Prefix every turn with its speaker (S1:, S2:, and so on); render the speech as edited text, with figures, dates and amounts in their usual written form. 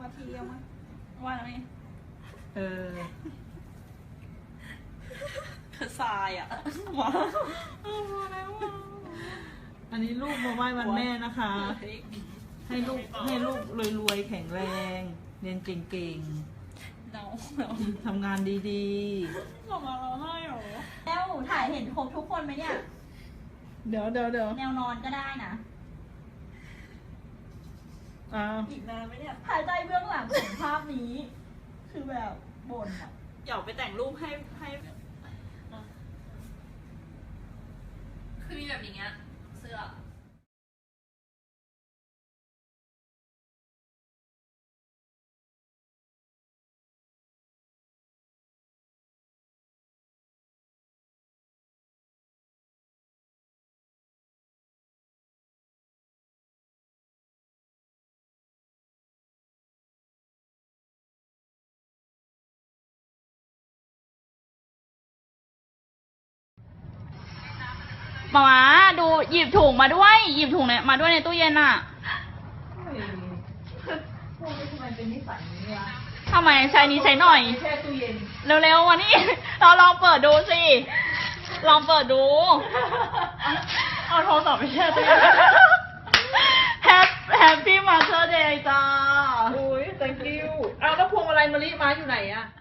S1: มาทีเอามา
S2: ว่าแล้วไง
S3: เออ
S2: คือทรายอ่ะมาแล้ว
S3: อันนี้ลูกมาไหว้วันแม่นะคะ ให้ลูกรวยๆแข็งแรง เรียนเก่ง
S2: เนา
S3: ๆทำงานดี
S2: ออกมาร้องไห้หรอ
S1: แล้วถ่ายเห็นครบทุกคนไหมเนี่ย
S3: ๆ เดี๋ยว
S1: แนวนอนก็ได้นะ
S2: อีกนานไหมเนี่ย
S1: ถ่ายใจเบื้องหลังของภาพนี้ คือแบบบ่นอะ
S2: เดี๋ยวไปแต่งรูปให้คือมีแบบอย่างเงี้ยเสื้อมาดูหยิบถุงมาด้วย หยิบถุงเนี่ยมาด้วยในตู้เย็นอ่ะ
S3: พวกนี้ทำไมเป็นนิสัยนี้วะ
S2: ทำไมใช้นี้ใช้หน่อย
S3: แช่ตู้เย็น
S2: เร็วๆวันนี้ เราลองเปิดดูสิ ลองเปิดดู เอาโทรศัพท์ไปแช่ตู้เย็น Happy Mother's Day จ้า
S3: โอ้ย thank you เอาแล้วพวงมาลัยมะลิมาอยู่ไหนอะ